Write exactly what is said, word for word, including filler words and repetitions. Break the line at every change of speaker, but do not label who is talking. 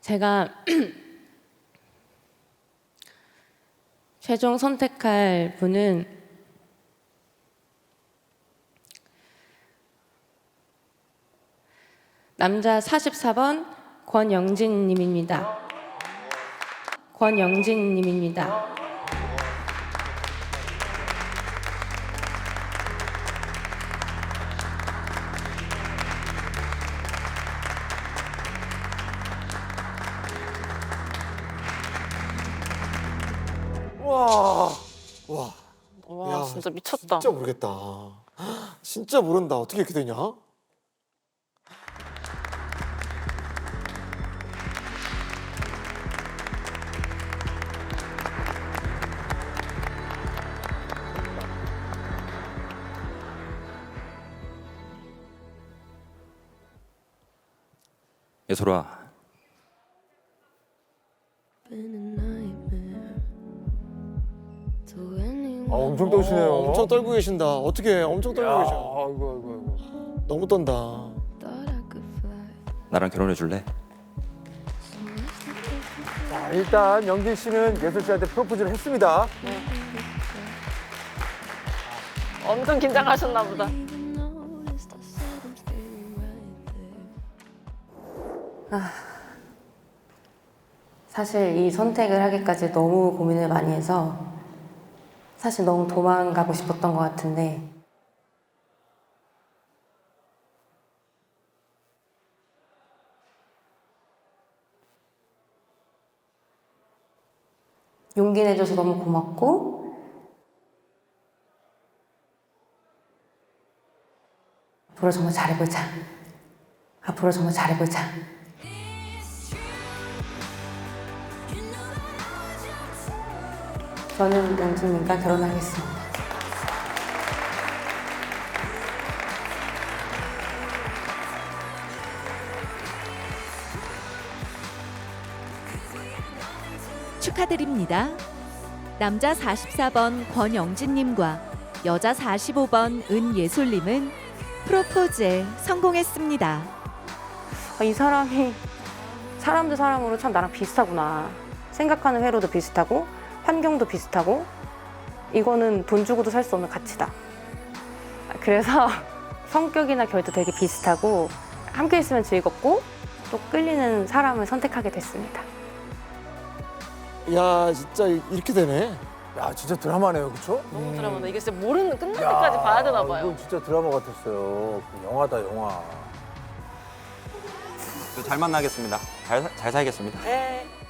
제가 최종 선택할 분은 남자 사십사 번 권영진 님입니다. 권영진 님입니다.
와, 와,
와
야,
진짜 미쳤다.
진짜 모르겠다. 진짜 모른다. 어떻게 이렇게 되냐?
예솔아,
아, 엄청 떠시네요.
어, 엄청 떨고 계신다. 어떻게 엄청 떨고
야,
계셔.
아이고, 아이고, 아이고.
너무 떤다.
나랑 결혼해 줄래?
자, 일단 영진 씨는 예솔 씨한테 프로포즈를 했습니다.
엄청 긴장하셨나 보다.
사실 이 선택을 하기까지 너무 고민을 많이 해서 사실 너무 도망가고 싶었던 것 같은데 용기 내줘서 너무 고맙고 앞으로 정말 잘해보자. 앞으로 정말 잘해보자. 저는 영진님과 결혼하겠습니다.
축하드립니다. 남자 사십사 번 권영진님과 여자 사십오 번 은예솔님은 프로포즈에 성공했습니다.
아, 이 사람이 사람 대 사람으로 참 나랑 비슷하구나. 생각하는 회로도 비슷하고 환경도 비슷하고 이거는 돈 주고도 살 수 없는 가치다. 그래서 성격이나 결도 되게 비슷하고 함께 있으면 즐겁고 또 끌리는 사람을 선택하게 됐습니다.
야, 진짜 이렇게 되네.
야, 진짜 드라마네요, 그렇죠?
너무 드라마다. 이게 진짜 모르는 끝날 때까지 봐야 되나 봐요.
이건 진짜 드라마 같았어요. 그 영화다, 영화.
잘 만나겠습니다. 잘, 잘 살겠습니다.
네.